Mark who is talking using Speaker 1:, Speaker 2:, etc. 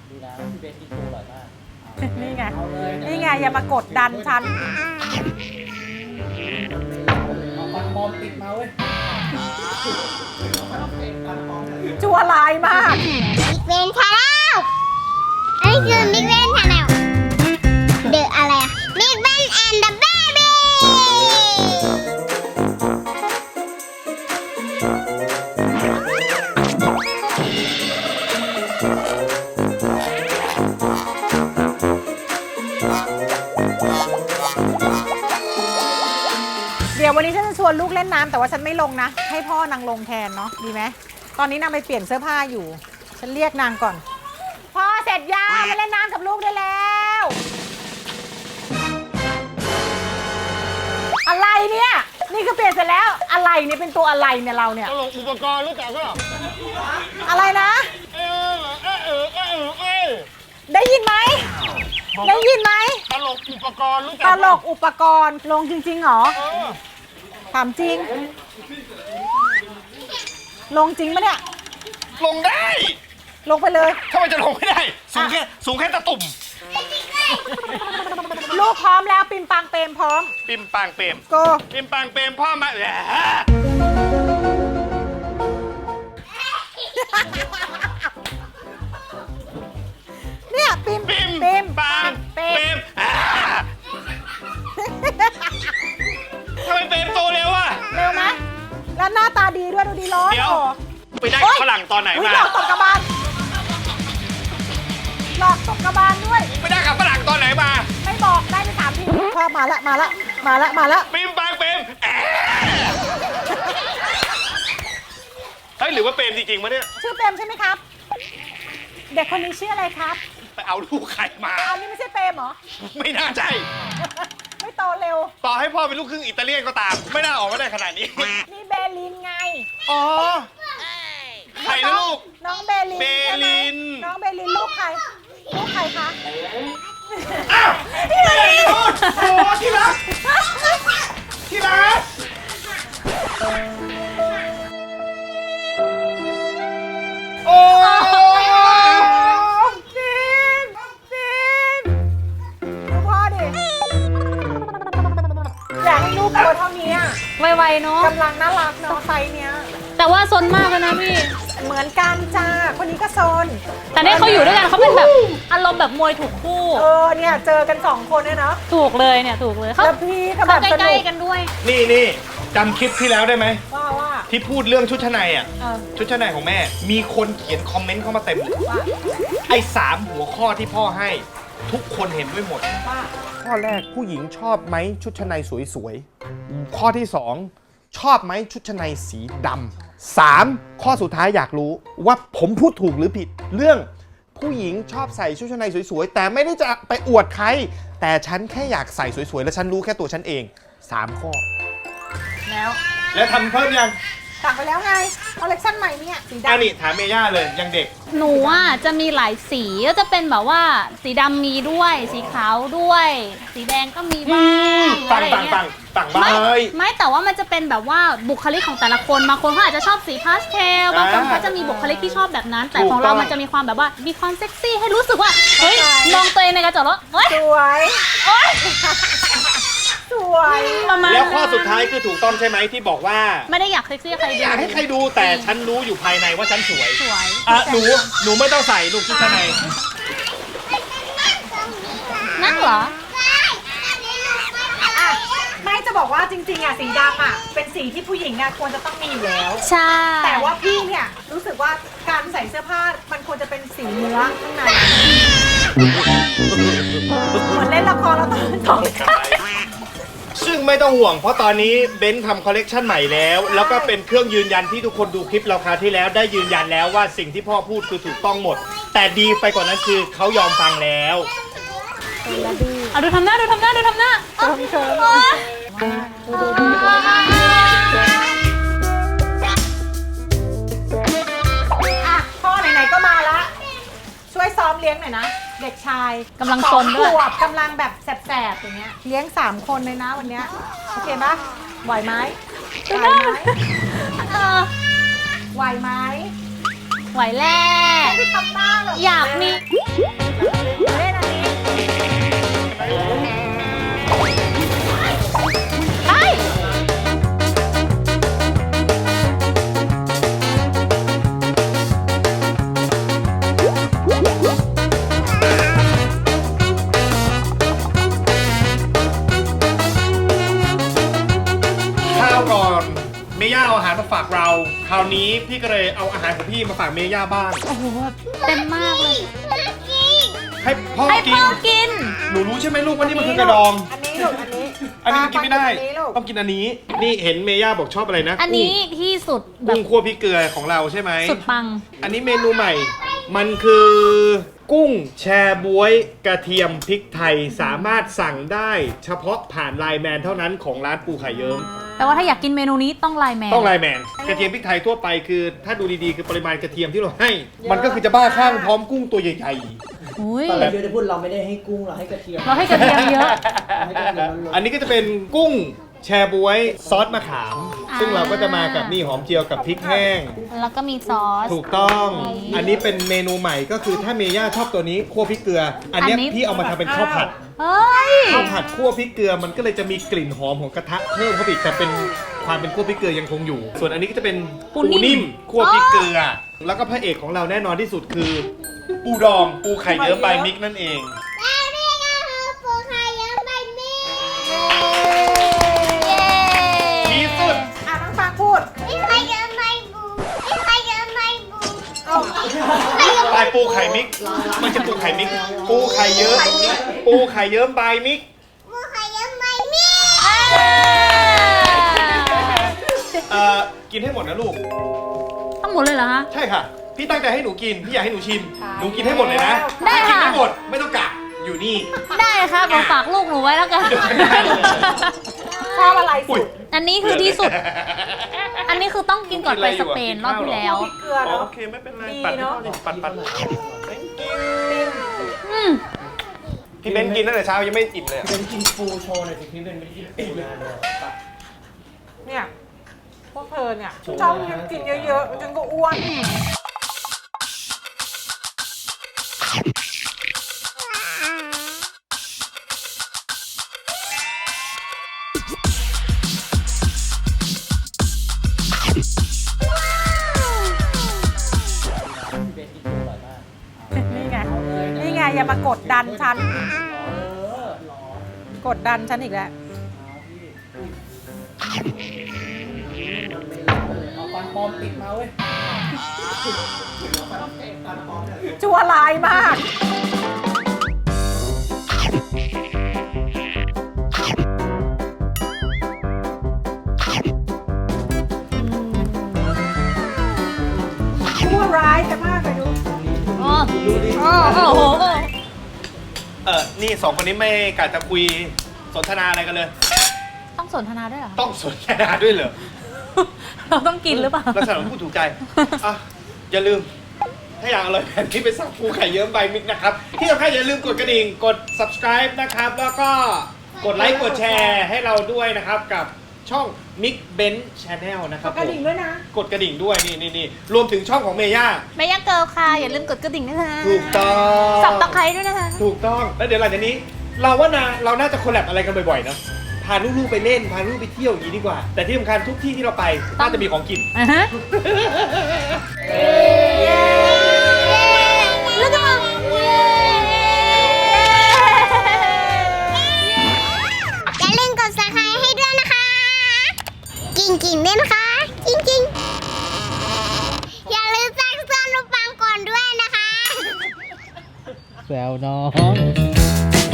Speaker 1: ดีนะพี่เบสกินโตอร่อยมาก
Speaker 2: นี่ไง
Speaker 1: เอาเลย
Speaker 2: นี่ไงอย่ามากดดันฉัน
Speaker 1: เอาฟันปลอมติดมาเว้ย
Speaker 2: จัวลายมาก
Speaker 3: บิ๊กเวนชาแนลอันนี้คือบิ๊กเวนชาแนลเดอะอะไรอะบิ๊กเวนแอนด์เดอะเบบี้
Speaker 2: เดี๋ยววันนี้ฉันจะชวนลูกเล่นน้ำแต่ว่าฉันไม่ลงนะ ให้พ่อนางลงแทนเนาะดีไหมตอนนี้นางไปเปลี่ยนเสื้อผ้าอยู่ ฉันเรียกนางก่อน พ่อเสร็จยังมาเล่นน้ำกับลูกได้แล้ว อะไรเนี่ย นี่คือเปลี่ยนเสร็จแล้วอะไรเนี่ยเป็นตัวอะไรเนี่ยเราเนี่ย
Speaker 4: ตลกอุปกรณ์รู้จักก็
Speaker 2: อะไรนะ
Speaker 4: เออ
Speaker 2: ได้ยินไหมได้ยินไหม
Speaker 4: ตลกอุปกรณ์รู้จัก
Speaker 2: ตลกอุปกรณ์ลงจริงๆเหรอถามจริง ลงจริงปะเนี่ย
Speaker 4: ลงได้
Speaker 2: ลงไปเลย
Speaker 4: ทำไมจะลงไม่ได้ สูงแค่ตะตุ่ม
Speaker 2: ลูกพร้อมแล้วปิมปังเปรมพร้อม
Speaker 4: ปิมปังเปรม
Speaker 2: โก
Speaker 4: ปิมปังเปรมพ่อมาแหละ
Speaker 2: เนี่ยปิม
Speaker 4: ปิมปัง
Speaker 2: เปร
Speaker 4: เปร
Speaker 2: ม
Speaker 4: มทำไมเปรมโตเร็วอ่ะ
Speaker 2: เร็วไหมแล้วหน้าตาดีด้วยดูดีร้อน
Speaker 4: เดี๋ยว
Speaker 2: โอ้
Speaker 4: ไปได้ฝรั่งตอนไหน
Speaker 2: อุ๊ย
Speaker 4: มา
Speaker 2: หลอกตกกระบาลหลอกตกกระบาลด้วย
Speaker 4: ไปได้กับฝรั่งตอนไหนมา
Speaker 2: ไม่บอกได้ไป3 ทีชอบมาละ
Speaker 4: ปิมปังเปรมเฮ้ยหรือว่าเปรมจริงๆมะเนี่ย
Speaker 2: ชื่อเปรมใช่ไหมครับ เด็กคนนี้ชื่ออะไรครับ
Speaker 4: ไปเอาลูกใครมา
Speaker 2: อันนี้ไม่ใช่เปรมเหรอ
Speaker 4: ไม่น่าใช่
Speaker 2: ไม่โตเร็ว
Speaker 4: ต่อให้พ่อเป็นลูกครึ่งอิตาเลียนก็ตาม ไม่น่าออกมาได้ขนาดนี้
Speaker 2: นี่เบลินไง
Speaker 4: อ๋อ ใครนะลูก
Speaker 2: น้องเบลิน
Speaker 4: เบลิน
Speaker 2: ใช่ไหมน้องเบลินลูกใครคะ
Speaker 4: อ้าวที่รักโอ้ที่รักที่รักโอ้
Speaker 2: ฟินดูพ่อดิอยากให้ลูกตัวเท่านี้อะ
Speaker 5: ไวๆเนาะ
Speaker 2: กำลังน่ารักเนาะไซส์เนี้ย
Speaker 5: แต่ว่าซนมากเลยนะพี่
Speaker 2: เหมือนกันจ้าคนนี้ก็โซน
Speaker 5: แต่เนี่ยเขาอยู่ด้วยกันเขาเป็นแบบอารมณ์แบบมวยถูกคู่
Speaker 2: เนี่ยเจอกัน2 คนเนี่ยเนาะ
Speaker 5: ถูกเลยเนี่ยถูกเลยเขา
Speaker 2: แล้วพี่ก็แบ
Speaker 5: เขา
Speaker 2: บส
Speaker 5: ใก
Speaker 2: นุ
Speaker 5: ล้
Speaker 2: ก
Speaker 5: ๆกันด้วย
Speaker 4: นี่จำคลิปที่แล้วได้ไหม
Speaker 2: ว่า
Speaker 4: ที่พูดเรื่องชุดชั้นในอ่ะ
Speaker 2: เออ
Speaker 4: ชุดชั้นในของแม่ มีคนเขียนคอมเมนต์เข้ามาเต็มเลย
Speaker 2: ว่า
Speaker 4: ไอ้3 หัวข้อที่พ่อให้ ทุกคนเห็นด้วยหมด
Speaker 2: ว่า
Speaker 4: ข้อแรกผู้หญิงชอบไหมชุดชั้นในสวยๆ ข้อที่ 2 ชอบไหมชุดชั้นในสีดำ 3 ข้อสุดท้ายอยากรู้ว่าผมพูดถูกหรือผิด เรื่องผู้หญิงชอบใส่ชุดชั้นในสวยๆ แต่ไม่ได้จะไปอวดใคร แต่ฉันแค่อยากใส่สวยๆ และฉันรู้แค่ตัวฉันเอง 3 ข้อ
Speaker 2: แล้ว
Speaker 4: แล้วทำเพิ่มยัง
Speaker 2: สั่งไปแล้วไงคอลเลคชั่นใหม่เนี่ยสี
Speaker 4: อัน
Speaker 2: ดำ
Speaker 4: นี้ถามเมย่าเลยยังเด็ก
Speaker 5: หนูอ่ะจะมีหลายสีก็จะเป็นแบบว่าสีดำมีด้วย สีขาวด้วย สีแดงก็มีบ้าง
Speaker 4: ปั
Speaker 5: อะ
Speaker 4: ง
Speaker 5: ไรอ
Speaker 4: ปั
Speaker 5: ย่าง งเงี้
Speaker 4: ปั
Speaker 5: ย
Speaker 4: งปังบ้า
Speaker 5: ไม่
Speaker 4: เฮ้ย
Speaker 5: ไม่แต่ว่ามันจะเป็นแบบว่าบุคลิกของแต่ละคนบางคนเขาอาจจะชอบสีพาสเทลบางคนเขาจะมีบุคลิกที่ชอบแบบนั้น แต่ของเรามันจะมีความแบบว่ามีความเซ็กซี่ให้รู้สึกว่าเฮ้ยมองตัวเองในกระจกแล้วเฮ้ย
Speaker 2: สวยสวย
Speaker 5: ประมาณ
Speaker 4: แล้วข้อ
Speaker 5: นั้น
Speaker 4: สุดท้ายคือถูกต้องใช่ไหมที่บอกว่า
Speaker 5: ไม่ได้อยากเซ็กซี่ใครดู
Speaker 4: อยากให้ใครดูแต่ฉันรู้อยู่ภายในว่าฉันสวย
Speaker 5: สวย
Speaker 4: อ่ะหนูไม่ต้องใส่ลูกชุดชั้นใน
Speaker 5: นั่นเหรอ
Speaker 2: อ่ะไม่จะบอกว่าจริงๆอ่ะสีดำอ่ะเป็นสีที่ผู้หญิงอ่ะควรจะต้องมีอยู่แล้ว
Speaker 5: ใช่
Speaker 2: แต่ว่าพี่เนี่ยรู้สึกว่าการใส่เสื้อผ้ามันควรจะเป็นสีเนื้อข้างในเหมือนเล่นละครแล้วต้อง
Speaker 4: ซึ่งไม่ต้องห่วงเพราะตอนนี้เบนซ์ทำคอลเลกชันใหม่แล้ว แล้วก็เป็นเครื่องยืนยันที่ทุกคนดูคลิปเราคราวที่แล้วได้ยืนยันแล้วว่าสิ่งที่พ่อพูดคือถูกต้องหมด แต่ดีไปกว่านั้นคือเขายอมฟังแล้ว
Speaker 5: เอาดูทำหน้า
Speaker 2: เคิม อ่ะพ่อไหนๆก็มาละช่วยซ้อมเลี้ยงหน่อยนะ เด็กชาย
Speaker 5: กำลังซนด้วย
Speaker 2: 2 ขวบกำลังแบบแสบๆอย่างเงี้ยเลี้ยง3 คนเลยนะวันเนี้ยโอเคปะไหวไหมไหวไหม
Speaker 5: เออ
Speaker 2: ไหวไหม
Speaker 5: ไหวแล้
Speaker 2: ไม่ทำหน้าแบบ
Speaker 5: อยากมี
Speaker 4: ฝากเราคราวนี้พี่ก็เลยเอาอาหารของพี่มาฝากเมย่าบ้าง
Speaker 5: โอ้โหเต็มมากเลย
Speaker 4: ให้พ่อ
Speaker 5: ให้
Speaker 4: กิน
Speaker 5: พ่อกิน
Speaker 4: หนูรู้ใช่ไหมลูกว่านี่มันคือกระดอง
Speaker 2: อันนี้ลูกอันนี้
Speaker 4: อันนี้มันกินไม่ได้
Speaker 2: อันนี้ลูก
Speaker 4: ต้องกินอันนี้นี่เห็นเมย่าบอกชอบอะไรนะ
Speaker 5: อันนี้ที่สุดแบ
Speaker 4: กุ้
Speaker 5: บ
Speaker 4: งคั่วพริกเกลือของเราใช่ไหม
Speaker 5: สุดปัง
Speaker 4: อันนี้เมนูใหม่ มันคือกุ้งแชบ๊วยกระเทียมพริกไทยสามารถสั่งได้เฉพาะผ่านไลน์แมนเท่านั้นของร้านปูไข่เยิ้ม
Speaker 5: แต่ว่าถ้าอยากกินเมนูนี้ต้องไลน์แมน
Speaker 4: ต้องไลน์แมนกระเทียมพริกไทยทั่วไปคือถ้าดูดีๆคือปริมาณกระเทียมที่เราให้ มันก็คือจะบ้าข้างพร้อมกุ้งตัวใหญ่
Speaker 5: อุ้ย
Speaker 1: ตอนเราเยอะได้พูดเราไม่ได้ให้กุ้งเราให้กระเทียม
Speaker 5: เราให้กระเทียมเยอะ
Speaker 1: เราให้กระเทียมล้วน
Speaker 4: ๆ อันนี้ก็จะเป็นกุ้งแชบ๊วยซอสมะขาม ซึ่งเราก็จะมากับนี่หอมเจียวกับพริกแห้ง
Speaker 5: แล้วก็มีซอส
Speaker 4: ถูกต้อง อันนี้เป็นเมนูใหม่ก็คือถ้าเมย่าชอบตัวนี้คั่วพริกเกลือ อันเนี้ย
Speaker 5: อันนี้
Speaker 4: พี่เอามาทำเป็นข้าวผัด
Speaker 5: เฮ้ย
Speaker 4: ข้าวผัดคั่วพริกเกลือมันก็เลยจะมีกลิ่นหอมของกระทะเพิ่มเข้าไปอีกแต่เป็นความเป็นคั่วพริกเกลือยังคงอยู่ ส่วนอันนี้ก็จะเป็นปูนิ่มคั่วพริกเกลือ แล้วก็พระเอกของเราแน่นอนที่สุดคือ ปูดองปูไข่เยิ้มใบมิกนั่นเอง
Speaker 3: และนี่ก็คือปูไข่เยิ้มใบมี
Speaker 4: ที่สุด
Speaker 2: อ่ะน้องฟางพูด
Speaker 3: นี่ไข่เยิ้มใบบูนี่ไข่เยิ้มใบบู
Speaker 2: เอา
Speaker 4: ปลายปูไข่มิกมันจะปูไข่มิกปูไข่เยิ้มปูไข่เยิ้มใบมิก
Speaker 3: ปูไข่เยิ้มใบมี
Speaker 4: กินให้หมดนะลูก
Speaker 5: ต้องหมดเลยเหรอฮะ
Speaker 4: ใช่ค่ะ พี่ตั้งใจให้หนูกิน พี่อยากให้หนูชิม หนูกินให้หมดเลยนะ
Speaker 5: ได้
Speaker 4: ถ้ากิน
Speaker 5: ค่ะ
Speaker 4: ไม่หมดไม่ต้องกะอยู่นี่
Speaker 5: ได้ครับผมฝากลูกหนูไว้แล้วกัน
Speaker 2: ชอบอะไรสุด
Speaker 5: อันนี้คือที่สุด อันนี้คือต้องกินก่อนไปสเปนรอบที่แล้ว
Speaker 2: เกลือเนาะ
Speaker 4: โอเคไม่เป็นไร
Speaker 2: ดี
Speaker 4: ปัด
Speaker 2: เนอะ
Speaker 4: ปัด
Speaker 5: อืม
Speaker 4: พี่เบนกินตั้งแต่เช้ายังไม่อิ่มเลย
Speaker 1: ๆเป็นกินฟูโชว์หน่อยสิพี่เป็นไม่ได้กินปูนานเลย
Speaker 2: เนี่ยพวกเธอเนี่ยชอบกินเยอะๆจนก็อ้วน
Speaker 1: พี่เบนกินปูอร่อยมาก
Speaker 2: นี่ไง นี่ไงอย่ามากดดันฉัน กดดันฉันอีกแล้ว
Speaker 1: เอาฟันปลอมติดมาเว้ย
Speaker 2: ชั่วร้ายมาก ชั่วร้ายกันมากเลยดู
Speaker 5: โอ้โห
Speaker 4: นี่สองคนนี้ไม่กะจะคุยสนทนาอะไรกันเลย
Speaker 5: ต้องสนทนาด้วยเหรอ
Speaker 4: ต้องสนทนาด้วยเหรอ
Speaker 5: เราต้องกินหรือเปล่า
Speaker 4: ลักษณะพูดถูกใจอ่ะอย่าลืม ถ้าอยากอร่อยแบบนี้ไปสั่งปูไข่เยิ้มใบมิกนะครับ ที่สำคัญอย่าลืมกดกระดิ่ง กด subscribe นะครับ แล้วก็กดไลค์ กดแชร์ให้เราด้วยนะครับ กับช่อง Mix Bench Channel นะครับ
Speaker 2: กระดิ่งด้วยนะ
Speaker 4: กดกระดิ่งด้วย นี่รวมถึงช่องของเมย่า
Speaker 5: ไม่ยักเกิลค่ะ อย่าลืมกดกระดิ่งด้วยนะ
Speaker 4: ถูกต้อง
Speaker 5: สับตะไคร้ด้วยนะคะ
Speaker 4: ถูกต้อง แล้วเดี๋ยวหลังจากนี้ เราว่าเราน่าจะคอลแลบอะไรกันบ่อยๆนะพาลูกๆไปเล่น พาลูกไปเที่ยวอย่างนี้ดีกว่า แต่ที่สำคัญทุกที่ที่เราไปน่าจะมีของกิน
Speaker 5: อ่ะฮะ แล้วก็
Speaker 3: อย่าลืมกด subscribe ให้ด้วยนะคะ กิ่งๆด้วยนะคะกิ่งๆอย่าลืมแจ้งเตือนลูกปังก่อนด้วยนะคะ
Speaker 1: แซวน้อง